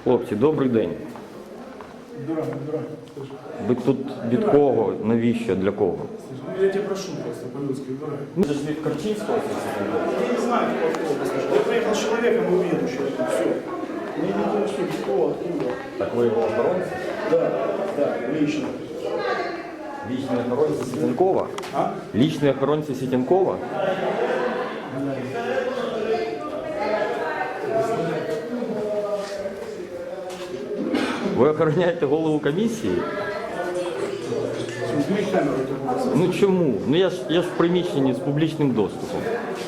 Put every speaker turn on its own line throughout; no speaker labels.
Хлопці, добрий день. Ви тут від кого? Навіщо? Для кого?
Я тебя прошу просто по-людски, дурак.
Ну, це ж від Корчинського.
Я не знаю, кто это. Я приехал с человеком и уеду сейчас. Все. Мне не интересует, кто, откуда.
Так ви його охоронці?
Да, лично.
Лічні охоронці Сітєнкова?
А?
Лічні охоронці Сітєнкова? Ви охороняєте голову комісії?
Убери камеру, это было.
Ну чому? Ну я ж в приміщенні з публічним доступом.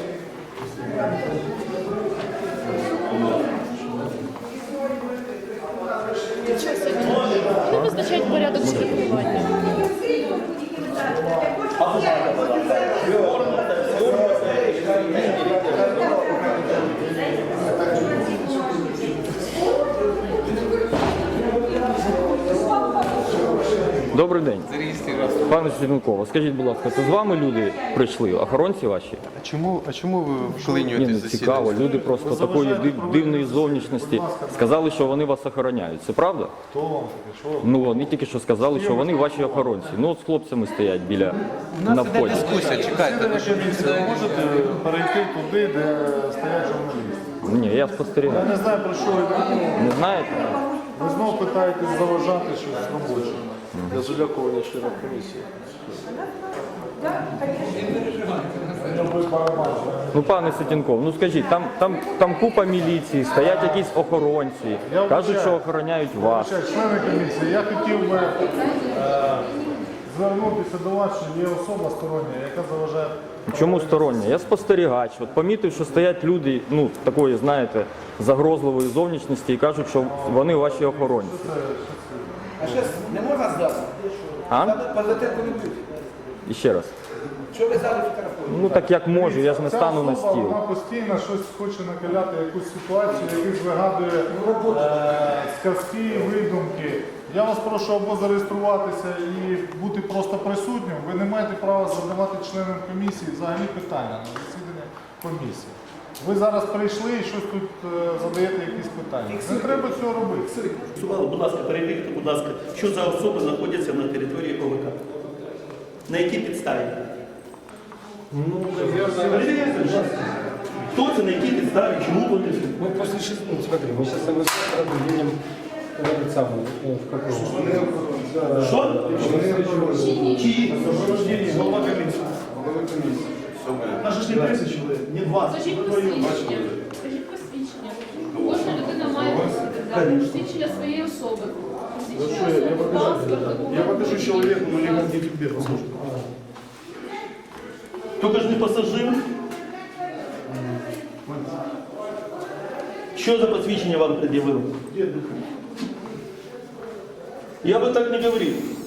Не визначають порядок черепування.
Добрий день. Пане Сітєнкова, скажіть, будь ласка, це з вами люди прийшли, охоронці ваші?
А чому ви
Ні,
вклинюєте
ну
засідання?
цікаво, люди просто такої дивної зовнічності сказали, що вони вас охороняють. Це правда?
Хто вам таке? Що?
Ну вони тільки що сказали, що вони ваші охоронці. Ну от з хлопцями стоять біля
У нас
на
іде
вході.
дискусія, чекайте.
Ви можете перейти туди, де стоять журналісти?
Ні, я спостерігаю.
Я не знаю, про що ви думаєте.
Не знаєте?
Ви знову питаєтесь заважати щось робоче для залякування членів комісії.
Ну, пане Сітєнков, ну скажіть, там купа міліції, стоять якісь охоронці,
Я
кажуть,
вибачаю.
що охороняють вас.
Члени комісії, я хотів би звернутися до вас, що є особа стороння, яка заважає.
Чому стороння? Я спостерігач. От помітив, що стоять люди, ну, такої, знаєте, загрозливої зовнішності і кажуть, що вони ваші охоронці.
А зараз не можна здати?
А?
Позатирку не буде.
І ще раз.
Що ви зараз фотографуєте?
Ну так як можу, я ж не
Ця
стану на
особа,
стіл.
Вона постійно щось хоче накаляти, якусь ситуацію, якісь вигадує сказки, видумки. Я вас прошу або зареєструватися і бути просто присутнім. Ви не маєте права задавати членам комісії взагалі питання на засідання комісії. Ви зараз прийшли і щось тут задаєте якісь питання. Не треба цього робити.
Сувало, будь ласка, перевірте, будь ласка, що за особи знаходяться на території ОВК? На якій підставі? Перевіряйте, будь ласка. Хто це, на якій підставі, чому вони?
Мы после 6, ну смотри, мы сейчас с тобой едем в этот самый, в какой?
Що? Чиї?
Сопровождение, голова комиссии. Нас же ж не 30 человек, не 20.
Скажіть посвідчення. Скажіть посвідчення. Кожна людина має посвідчення своєї особи.
Я покажу человеку, но не тебе, послушай.
Тільки ж не пасажир. Що за посвідчення вам пред'явив? Я би так не говорив.